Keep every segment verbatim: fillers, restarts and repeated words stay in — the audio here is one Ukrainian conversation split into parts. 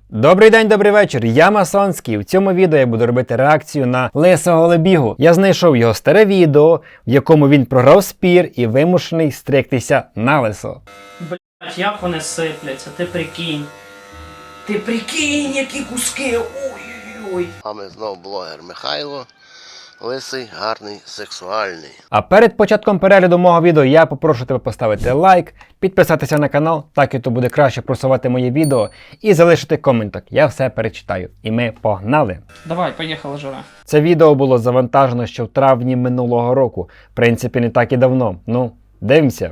Добрий день, добрий вечір, я Масонський. В цьому відео я буду робити реакцію на Лисого Лебігу. Я знайшов його старе відео, в якому він програв спір і вимушений стригтися налисо. Блять, як вони сипляться, ти прикинь. Ти прикинь, які куски, ой-ой-ой. А ми знов блогер Михайло. Лисий, гарний, сексуальний. А перед початком перегляду мого відео я попрошу тебе поставити лайк, підписатися на канал, так і то буде краще просувати мої відео, і залишити коменток. Я все перечитаю. І ми погнали! Давай, поїхала, Жора. Це відео було завантажено ще в травні минулого року. В принципі, не так і давно. Ну, дивимося.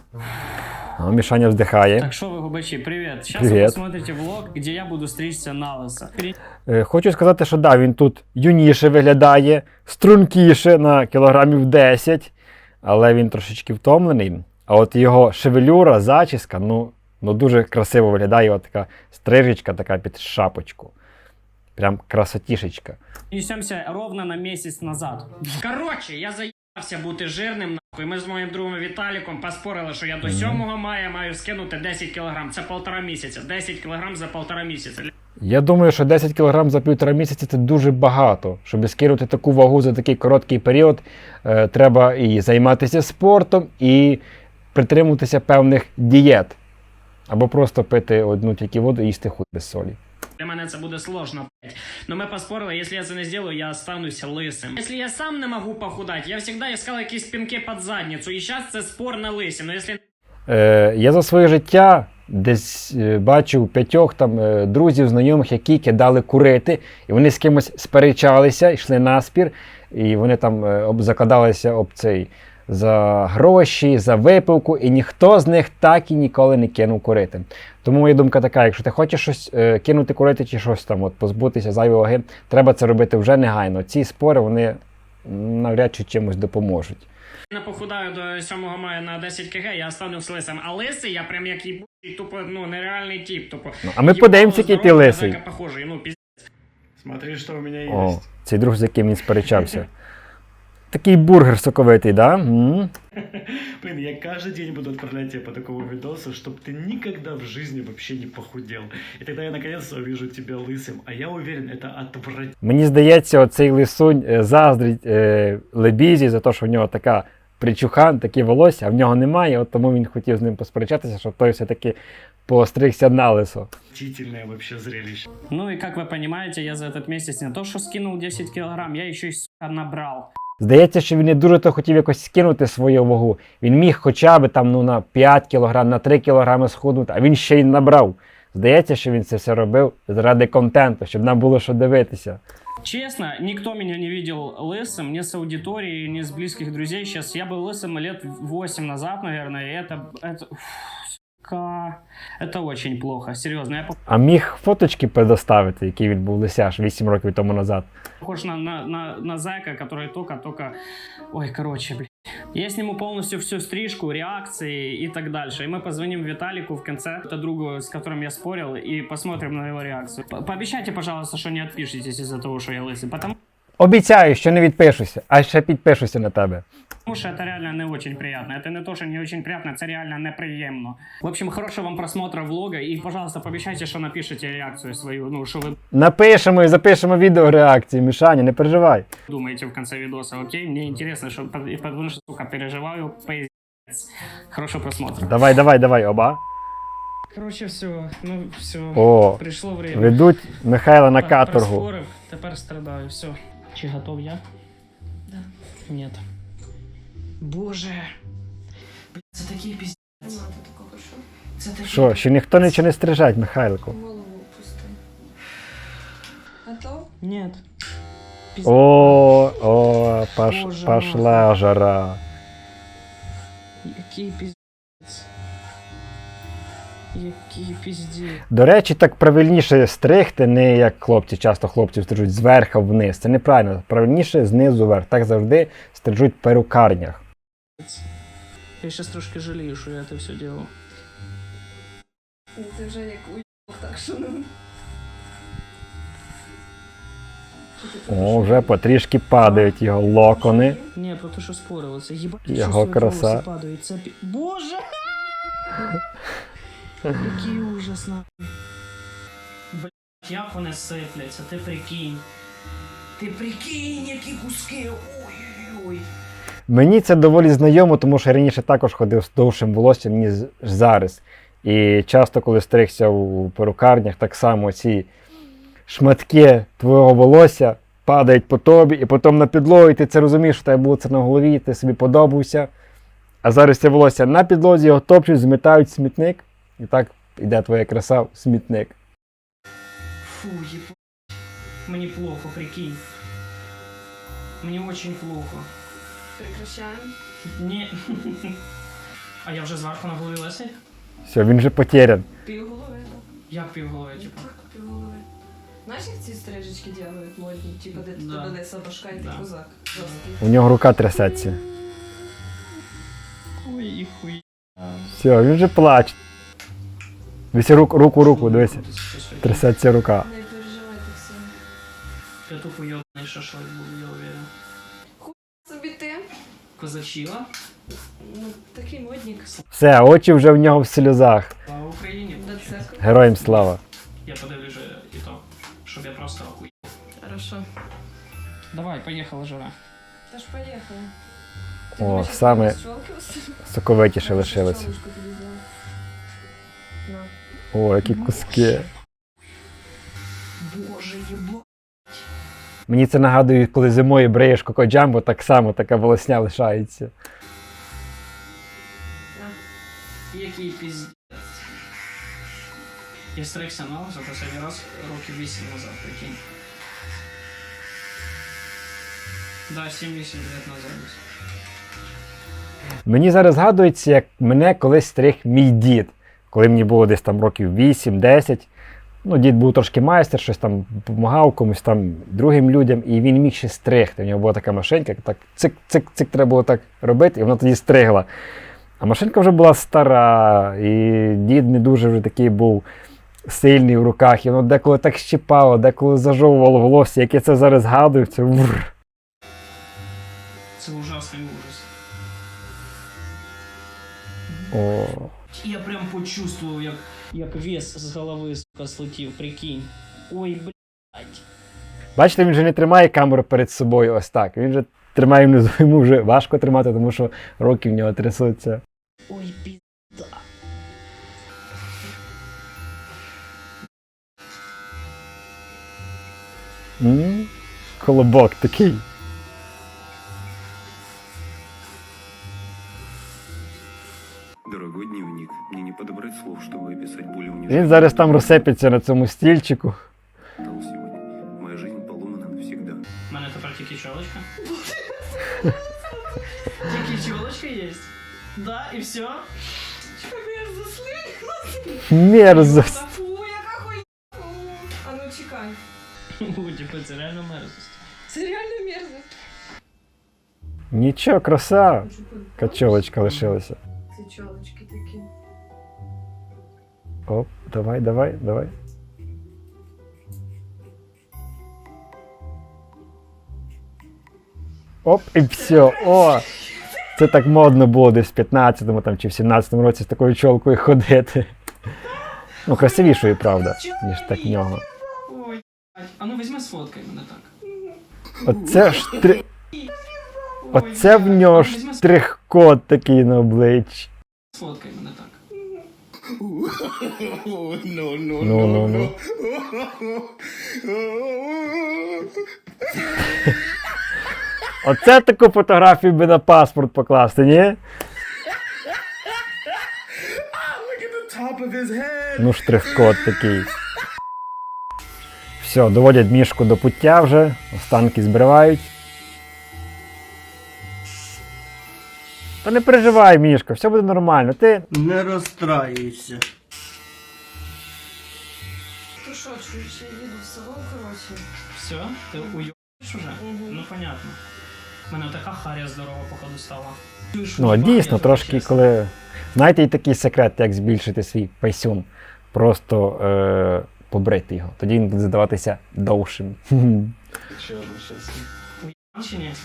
О, Мішаня вздихає. Так що ви, губачі, привіт. Зараз Привіт. ви посмотрите влог, де я буду стричься на лисо. Е, Хочу сказати, що да, він тут юніше виглядає, стрункіше на кілограмів десять, але він трошечки втомлений. А от його шевелюра, зачіска, ну, ну дуже красиво виглядає, от така стрижечка така під шапочку. Прям красотішечка. Несемося ровно на місяць назад. Коротше, я заїбався бути жирним, нахуй. Ми з моїм другом Віталіком поспорили, що я до сьомого мая маю скинути десять кілограм. Це полтора місяця. десять кілограм за полтора місяця. Я думаю, що десять кілограм за півтора місяці – це дуже багато. Щоб скинути таку вагу за такий короткий період, е, треба і займатися спортом, і притримуватися певних дієт. Або просто пити одну тільки воду і їсти хуй без солі. Для мене це буде сложно, блять. Но ми поспорили, якщо я це не зроблю, я остануся лисим. Якщо я сам не можу похудати, я завжди іскав якісь пінки під задницю, і зараз це спор на лисі. Но якщо... Е, я за своє життя десь е, бачив п'ятьох там е, друзів, знайомих, які кидали курити, і вони з кимось сперечалися, йшли на спір, і вони там е, об, закладалися об цей за гроші, за випивку, і ніхто з них так і ніколи не кинув курити. Тому моя думка така, якщо ти хочеш щось е, кинути курити чи щось там, от, позбутися зайвої ваги, треба це робити вже негайно. Ці спори, вони навряд чи чимось допоможуть. Я не похудаю до сьомого мая на десять кілограмів, я останусь лисим. А лисий, я прям як їбучий, тупо, ну, нереальний тип, тупо. Ну, а ми подивимося, який ти лисий. Похожий, ну, пиздец. Смотри, что у меня есть. О, цей друг, з яким він сперечався. Такий бургер соковитий, да? М-м. Блин, я каждый день буду отправлять тебе по такому видосу, чтобы ты никогда в жизни вообще не похудел. И тогда я наконец-то увижу тебя лысым. А я уверен, это отвратительно. Мені здається, оцей лисунь е, заздрить е, Лебізі за те, що в нього така причухан, такі волосся, а в нього немає, от тому він хотів з ним посперечатися, щоб той все-таки постригся на лисо. Отвратительное вообще зрелище. Ну и как вы понимаете, я за этот месяц не то, что скинул десять килограмм, я еще и, сука, набрал. Здається, що він не дуже то хотів якось скинути свою вагу. Він міг хоча б там, ну, на п'ять кілограм, на три кілограми схуднути, а він ще й набрав. Здається, що він це все робив заради контенту, щоб нам було що дивитися. Честно, никто меня не видел лысым, ни с аудитории, ни с близких друзей. Сейчас я был лысым лет восемь назад, наверное, и это... это... сука, это очень плохо, серьезно. Я А міг фоточки предоставити, які він був лисяш вісім років тому назад. похож на, на, на, на зайка, который только-только... Ой, короче, блядь. Я сниму полностью всю стрижку, реакции и так дальше. И мы позвоним Виталику в конце, это другу, с которым я спорил, и посмотрим на его реакцию. По- Пообещайте, пожалуйста, что не отпишитесь из-за того, что я лысый, потому Обіцяю, що не відпишуся, а ще підпишуся на тебе. что это реально не очень приятно. Это не то, что не очень приятно, это реально неприемно. В общем, хорошего вам просмотра влога, и, пожалуйста, пообещайте, что напишите реакцию свою, ну, что вы Напишемо і запишемо відео реакції, Мішаня, не переживай. думаете в конце видоса, окей? Мне интересно, что, потому что, сука, переживаю, пиздец. Хорошего просмотра. Давай, давай, давай, оба. Короче, все, ну, все, О, пришло время. ведуть Михайла на Так, каторгу. проспорив, тепер страдаю, все. Чи готов я? Да. Нет. Боже. Блядь, це такий піздець. Нема тут такого, що Це такий Що, ще ніхто нічого не стрижать, Михайлику? голову пусти. Готов? Нет. О, о, пош, Боже пошла жара. Який піздець. Який піздець. До речі, так правильніше стригти, не як хлопці, часто хлопців стрижуть зверху вниз. Це неправильно. Правильніше знизу вверх. Так завжди стрижуть в перукарнях. Я сейчас трошки жалею, що я это все делал. Ну, Ти вже як уїбав, так що ну. Що ти О, вже потрішки падають його локони. Не, про те, що спорили. Це їбать, Його що свої краса. волоси падають. Це пі... Боже! Який ужас, нахуй. як вони сипляться, ти прикинь. Ти прикинь, які куски. Ой-ой-ой. Мені це доволі знайомо, тому що я раніше також ходив з довшим волоссям, ніж зараз. І часто, коли стригся у перукарнях, так само ці шматки твого волосся падають по тобі, і потім на підлогу, і ти це розумієш, що в тебе було це на голові, ти собі подобався. А зараз це волосся на підлозі, його топчуть, змітають в смітник, і так іде твоя краса в смітник. Фу, ебать. Мені плохо, прикинь. Мені очень плохо. Прекращаємо. Ні. А я вже зверху на голові лисий? Все, він вже потерян. Пів голови. Як півголови, типу? Так, пів голови. Знаєш, як ці стрижечки делають модні? Типа, де Да. тебе лиса башка і ти Да. козак. Жорсткий. У нього рука трясеться. Ой, і хуй. Все, він вже плаче. Дивись, руку, руку, руку, дивися. Трясеться рука. Не переживай так сильно. Я тупо йобаний шашлик буду, я уверен. Собі ти. Козачила? Ну, такий модник. Все, очі вже в нього в сльозах. Слава Україні. До церкви. Героям слава. Я подивлюсь же і то, щоб я просто охуй. Хорошо. Давай, поїхала, жара. Та ж поїхали. О, саме соковитіше лишилося. О, які куски. Боже, єбо. Мені це нагадує, коли зимою бреєш коко-джамбо, так само така волосня лишається. Який піздець. Я стригся на за останній раз років вісім назад, прикинь. Да, сім-вісім лет назад. Мені зараз згадується, як мене колись стриг мій дід. Коли мені було десь там років вісім-десять. Ну, дід був трошки майстер, щось там допомагав комусь там другим людям, і він міг ще стригти. У нього була така машинка, так цик-цик-цик треба було так робити, і вона тоді стригла. А машинка вже була стара, і дід не дуже вже такий був сильний в руках, і воно деколи так щипало, деколи зажовувало волосся, як я це зараз згадую, це вур. Це ужасний ужас. О. Я прям почувствував, як, як вес з голови, сука, слетів, прикинь. Ой, блядь. Бачите, він вже не тримає камеру перед собою ось так. Він вже тримає внизу, йому вже важко тримати, тому що руки в нього трясуться. Ой, пізда. М? Колобок такий. Дорогой дневник, мне не подобрать слов, чтобы описать более Він унижающий. зараз там розсипеться на цьому стільчику. Сегодня. Моя жизнь поломана навсегда. У мене тепер тільки чолочка. Тільки чолочка є. Да, і все. Мерзость. Фу, яка хуйня. Фу. А ну чекай. Типу, це реально мерзость. Це реально мерзость. Нічого, краса. Качолочка лишилася. Ці чолочки такі. Оп, давай, давай, давай. Оп, і все. О! Це так модно було десь в п'ятнадцятому там, чи в сімнадцятому році з такою чолкою ходити. Ну, красивішою, правда, ніж так в нього. Ой, блядь. А ну візьми сфоткай мене так. Оце ж три... Ой, Оце в блядь. нього Ну, ж візьми штрих-код такий на обличчі. сфоткай мене так. Ну, ну, ну. Оце таку фотографію би на паспорт покласти, ні? Ну, штрих-код такий. Все, доводять мішку до пуття вже, останки збривають. Та не переживай, Мішка, все буде нормально. Ти Не розстраюйся. Ти що, чуєш, я їду в село, коротше. Все? Ти уйобаєш уже? Мгм. Ну, понятно. У мене така харя здорова, походу, стала. Ну, а дійсно, трошки коли. Знаєте, і такий секрет, як збільшити свій пейсюн. Просто е- побрити його. Тоді він буде здаватися довшим. Чи ні?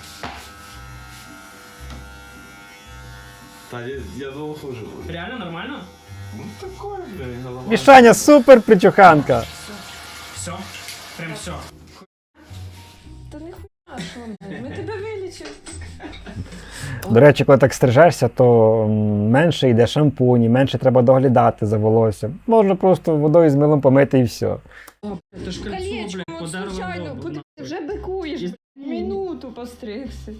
Та я, я думал хуже будет. Реально нормально? Ну такое, бля, голова. Мішаня, супер причуханка! Все, Все? Прям все. Та не хуйня, що ми? Ми тебе вилічимо. До речі, коли так стрижешся, то м, менше йде шампунь, менше треба доглядати за волоссям. Можна просто водою з милом помити і все. Это ж кольцо, Колечко, блядь, ну, подарок случайно, дома. подивись, вже бикуєш, блядь, минуту постригся.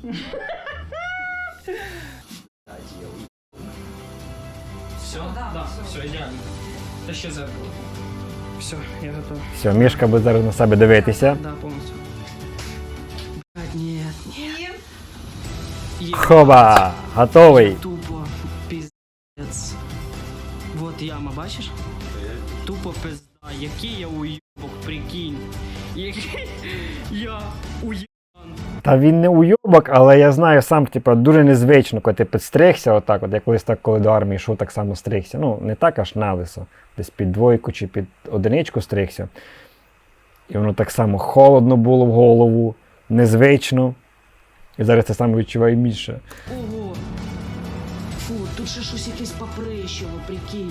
Все? Да, все, идеально. Тащи зеркало. Все, я готов. Все, Мішка буде зараз на себе дивитися. Да, полностью. Блядь, нет, нет. Хоба! Готовий! Тупо пиздец. Вот яма, бачиш? Тупо пизда. Який я уйобок, прикинь. Який я уйобок. Та він не уйобок, але я знаю сам, типу, дуже незвично, коли ти підстригся отак, от я колись так, коли до армії йшов, так само стригся. Ну, не так аж налисо, десь під двойку чи під одиничку стригся. І воно так само холодно було в голову, незвично. І зараз це саме відчуваю більше. Ого. Фу, тут ще щось якесь поприщево, прикинь.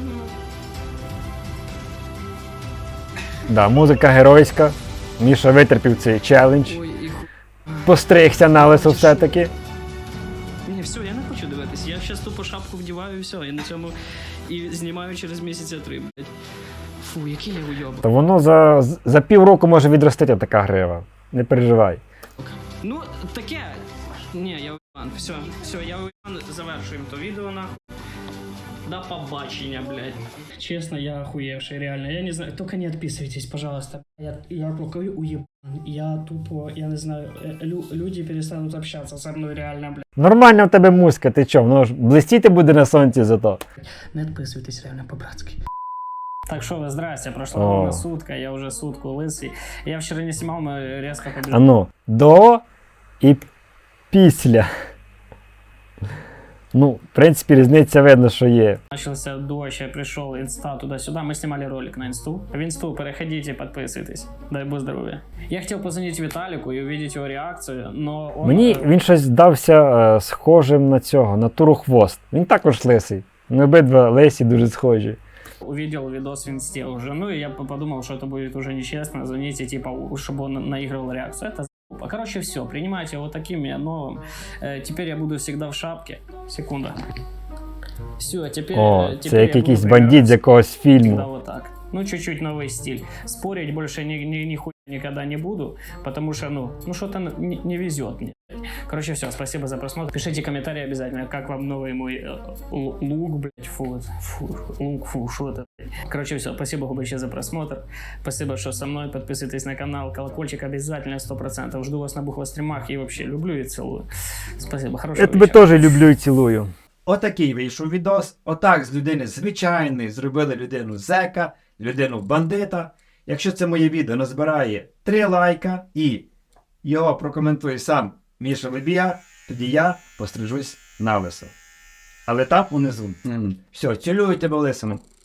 Да, музика геройська. Міша витерпів цей челендж. Ой, і ху... Постригся налисо все-таки. Ні, все, я не хочу дивитися. Я зараз тупо шапку вдіваю і все. І на цьому і знімаю через місяця три, блядь. Фу, який я уйобок. То воно за, за півроку може відростити така грива. Не переживай. Ну, таке. Ні, я уйбан. Все, все, я уйбан. Завершуємо то відео, нахуй. До побачення, блядь. Честно, я охуевший, реально. Я не знаю, только не отписывайтесь, пожалуйста. Я, я такой уебан. Я тупо, я не знаю, э, лю, люди перестанут общаться со мной, реально, блядь. Нормальна в тебе музика, ти чо? Воно ж блистіти буде на сонці зато. Не отписывайтесь, реально, по-братски. Так что вы, здрасте, прошла О. ровно сутка, я уже сутку лысый. Я вчера не снимал, мы резко побежали. А ну, до і після. Ну, в принципі, різниця видно, що є. Начался дождь, я пришел, инста туда-сюда, мы снимали ролик на инсту. В инсту переходите, подписывайтесь, дай бог здоровья. Я хотел позвонить Виталику и увидеть его реакцию, но он... Мені він щось здався е, схожим на цього, на Туру Хвост. Він також лисий. Ми обидва лисі дуже схожі. Увидел видос в инсте уже, ну и я подумал, что это будет уже нечестно, звоните, типа, чтобы он наигрывал реакцию. Это за***. Короче, все, принимайте его таким, я новым. Э, теперь я буду всегда в шапке. Секунда. Все, теперь... О, теперь це як я буду якийсь бандит з прибираться. якогось Всегда фільму. вот так. Ну, чуть-чуть новый стиль. Спорить больше ни, ни, нихуя никогда не буду, потому что, ну, ну что-то не, не везет мне. Короче, все, спасибо за просмотр. Пишите комментарии обязательно, как вам новый мой э, л- лук, блядь, фу, фу, лук, фу, что это, блядь. Короче, все, спасибо большое за просмотр. Спасибо, что со мной. Подписывайтесь на канал, колокольчик обязательно, сто процентов. Жду вас на бухлостримах и вообще люблю и целую. Спасибо, хорошего Я тебе вечера. теж люблю і цілую. Отакий вийшов відос. Отак з людини звичайної зробили людину зека, людину бандита. Якщо це моє відео назбирає три лайка і його прокоментує сам Міша Лебія, тоді я пострижусь на лисо. Але там унизу. Все, цілюю тебе лисину.